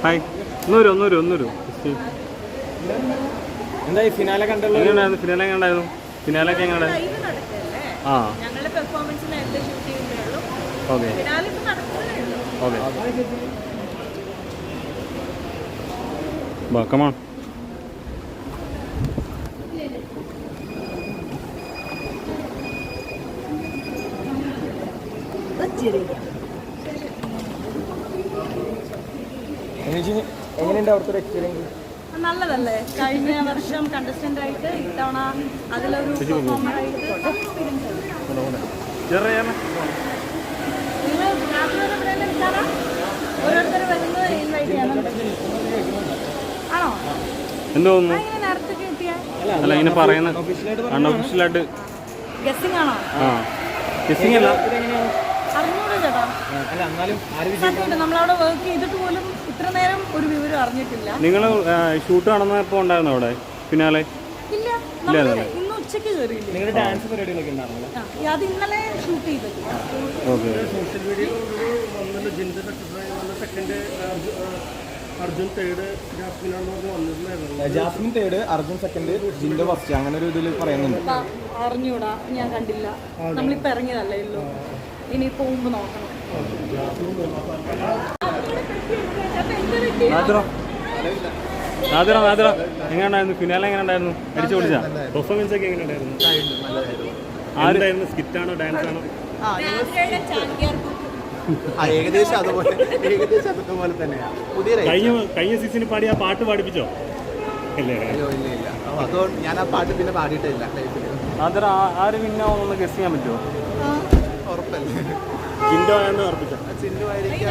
Hi. ഒന്നൂരു എന്തായി finale കണ്ടുള്ളത്? എങ്ങനെയുണ്ടായിരുന്നു finale? എങ്ങനെയുണ്ടായിരുന്നു ഫിനാലൊക്കെ? എങ്ങനെ? ആ ഓക്കെ ഓക്കെ. കമാൺ. എങ്ങനെയുണ്ട് അവിടുത്തെ ഒരു എക്സ്പീരിയൻസ്? നല്ലതല്ലേ? കഴിഞ്ഞ വർഷം കണ്ടസ്റ്റന്റ് ആയിട്ട് ഇത്തവണ അതിലൊരു പെർഫോമർ ആയിട്ട് ഓരോരുത്തർ വരുന്നത് ഇൻവൈറ്റ് ചെയ്യണം. ആണോ? എന്തോ തോന്നുന്നു? നേരത്തെ കിട്ടിയ അല്ല ഇങ്ങനെ പറയുന്നത് അൺഒഫീഷ്യലായിട്ട് ഗസ്സിംഗ് ആണോ? ആ ഗസ്സിംഗ് അല്ല. അറിഞ്ഞൂടെ ചേട്ടാ? സത്യമായിട്ട് നമ്മളവിടെ വർക്ക് ചെയ്തിട്ട് പോലും ഇത്ര നേരം ഒരു വിവരം അറിഞ്ഞിട്ടില്ല. നിങ്ങൾ ഷൂട്ട് നടന്നപ്പോൾ ഉണ്ടായിരുന്നു അവിടെ ഫിനാലെ? ഇല്ല, നമ്മള് ഇന്ന് ഉച്ചയ്ക്ക് കയറിയില്ല. നിങ്ങളുടെ ഡാൻസ് പരിപാടികളൊക്കെ ഉണ്ടായിരുന്നല്ലോ? അത് ഇന്നലെ ഷൂട്ട് ചെയ്തത്. Okay. Jasmine third, Arjun second, ജിൻഡോ ഫസ്റ്റ്, അങ്ങനെ ഒരു ഇതിൽ പറയുന്നുണ്ട്. അറിഞ്ഞൂടാ, ഞാൻ കണ്ടില്ല. നമ്മളിപ്പോ ഇറങ്ങിയതല്ലേ ഉള്ളൂ, ഇനി പോകുമ്പോ നോക്കണം. എങ്ങനെയുണ്ടായിരുന്നു ഫിനാലെ? എങ്ങനെ ഉണ്ടായിരുന്നു? അടിച്ചു പൊളിച്ചാ? പെർഫോമൻസ് ഒക്കെ എങ്ങനെയുണ്ടായിരുന്നു? ആരുണ്ടായിരുന്നു? സ്കിറ്റാണോ ഡാൻസ് ആണോ? ഏകദേശം അതുപോലെ തന്നെയാണ്. കഴിഞ്ഞ സീസണിൽ പാടി ആ പാട്ട് പാടിപ്പിച്ചോ? ഇല്ല. അതോ ഞാൻ ആ പാട്ട് പിന്നെ പാടിയിട്ടില്ല. ആര് പിന്നാവുന്ന ഗസ് ചെയ്യാൻ പറ്റുമോ? ഉറപ്പല്ലേ? ജിൻഡോ എന്ന് ഉറപ്പിച്ചോ? ജിൻഡോ ആയിരിക്കും.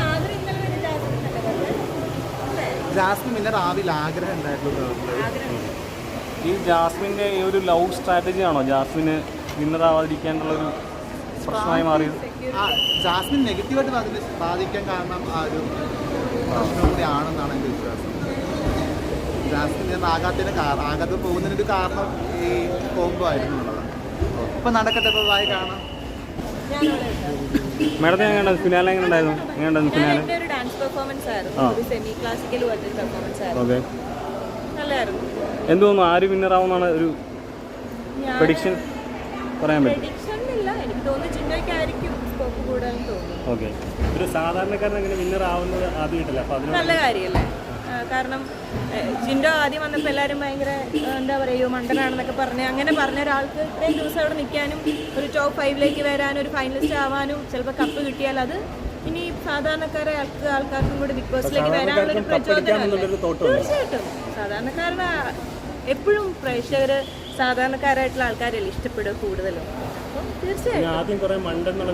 ജാസ്മിൻ പിന്നെ രാവിലെ ആഗ്രഹം ഉണ്ടായിരുന്നു. ഈ ജാസ്മിൻ്റെ ഈ ഒരു ലവ് സ്ട്രാറ്റജി ആണോ ജാസ്മിന് വിന്നറാവാതിരിക്കാനുള്ളൊരു പ്രശ്നമായി മാറിയത്? ജാസ്മിൻ നെഗറ്റീവായിട്ട് ബാധിക്കാൻ കാരണം ആ ഒരു പ്രശ്നം കൂടി ആണെന്നാണ് എൻ്റെ വിശ്വാസം. ജാസ്മിൻ ആകാതെ പോകുന്നതിനൊരു കാരണം ഈ കോംബോ ആയിരുന്നു എന്നുള്ളതാണ്. ഇപ്പം നടക്കട്ടെ, ഇപ്പോൾ വായി കാണാം. മാഡത്തിന് എങ്ങനെയുണ്ടായിരുന്നു ഫിനാലെ? എങ്ങനെയുണ്ടായിരുന്നു? ഫിനാലെ ഒരു ഡാൻസ് പെർഫോമൻസ് ആയിരുന്നു, ഒരു സെമി ക്ലാസിക്കൽ പോലത്തെ പെർഫോമൻസ് ആയിരുന്നു. ഓക്കെ. നല്ലായിരുന്നു. എന്ത് തോന്നുന്നു? ആര് വിന്നറാവുന്നാണ് ഒരു പ്രഡിക്ഷൻ പറയാൻ പറ്റും? പ്രഡിക്ഷൻ ഇല്ല, എനിക്ക് തോന്നുന്നു ജിൻഡോയ്ക്കായിരിക്കും സ്കോപ്പ് കൂടുതൽ തോന്നുന്നു. ഓക്കെ. ഒരു സാധാരണക്കാരൻ അങ്ങനെ വിന്നർ ആവുന്നത് ആദ്യമായിട്ടല്ല, അപ്പോൾ നല്ല കാര്യമല്ലേ? കാരണം ജിൻഡോ ആദ്യം വന്നപ്പോൾ എല്ലാവരും ഭയങ്കര എന്താ പറയുക, മണ്ടനാണെന്നൊക്കെ അങ്ങനെ പറഞ്ഞ ഒരാൾക്ക് ഇത്രയും ദിവസം അവിടെ നിൽക്കാനും ഒരു ടോപ്പ് 5ലേക്ക് വരാനും ഒരു ഫൈനലിസ്റ്റ് ആവാനും ചിലപ്പോൾ കപ്പ് കിട്ടിയാൽ അത് ഇനി സാധാരണക്കാരെ ആൾക്കാർക്കും കൂടി ബിഗ് ബോസിലേക്ക് വരാനുള്ളൊരു പ്രചോദനമല്ലേ? തീർച്ചയായിട്ടും. സാധാരണക്കാരുടെ എപ്പോഴും പ്രേക്ഷകർ സാധാരണക്കാരായിട്ടുള്ള ആൾക്കാരല്ലേ ഇഷ്ടപ്പെടുക കൂടുതലും. അപ്പം തീർച്ചയായിട്ടും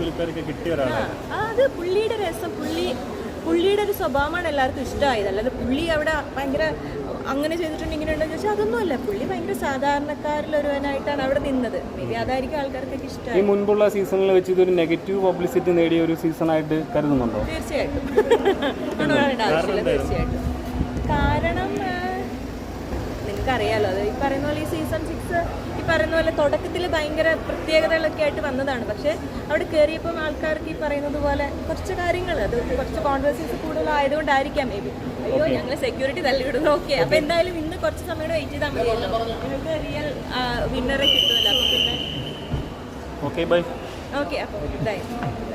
അത് പുള്ളിയുടെ രസം, പുള്ളിയുടെ ഒരു സ്വഭാവമാണ് എല്ലാവർക്കും ഇഷ്ടമായത്. അല്ലാതെ പുള്ളി അവിടെ ഭയങ്കര അങ്ങനെ ചെയ്തിട്ടുണ്ട് ഇങ്ങനെ ഉണ്ടെന്ന് ചോദിച്ചാൽ അതൊന്നുമല്ല. പുള്ളി ഭയങ്കര സാധാരണക്കാരിലൊരുവനായിട്ടാണ് അവിടെ നിന്നത്. മേബി അതായിരിക്കും ആൾക്കാർക്കൊക്കെ ഇഷ്ടമായി. ഈ മുൻപുള്ള സീസണിൽ വെച്ച് ഇതൊരു നെഗറ്റീവ് പബ്ലിസിറ്റി നേടിയ ഒരു സീസണായിട്ട് കരുതുന്നുണ്ടോ? തീർച്ചയായിട്ടും. തീർച്ചയായിട്ടും. കാരണം നിങ്ങൾക്കറിയാലോ, അത് ഈ പറയുന്ന പോലെ ഈ സീസൺ 6 ഈ പറയുന്ന പോലെ തുടക്കത്തിൽ ഭയങ്കര പ്രത്യേകതകളൊക്കെ ആയിട്ട് വന്നതാണ്. പക്ഷേ അവിടെ കയറിയപ്പം ആൾക്കാർക്ക് ഈ പറയുന്നത് പോലെ കുറച്ച് കാര്യങ്ങൾ, അത് കുറച്ച് കോൺട്രവേഴ്സീസ് കൂടുതലായതുകൊണ്ടായിരിക്കാം മേബി. അയ്യോ ഞങ്ങൾ സെക്യൂരിറ്റി തള്ളിവിടുന്നു. ഓക്കെ, അപ്പോൾ എന്തായാലും ഇന്ന് കുറച്ച് സമയം വെയിറ്റ് ചെയ്താൽ മതിയല്ലോ, നിങ്ങൾക്ക് റിയൽ വിന്നറെ കിട്ടുമല്ലോ. അപ്പോൾ പിന്നെ ഓക്കെ ബൈ. ഓക്കെ, അപ്പോൾ ഇതായി.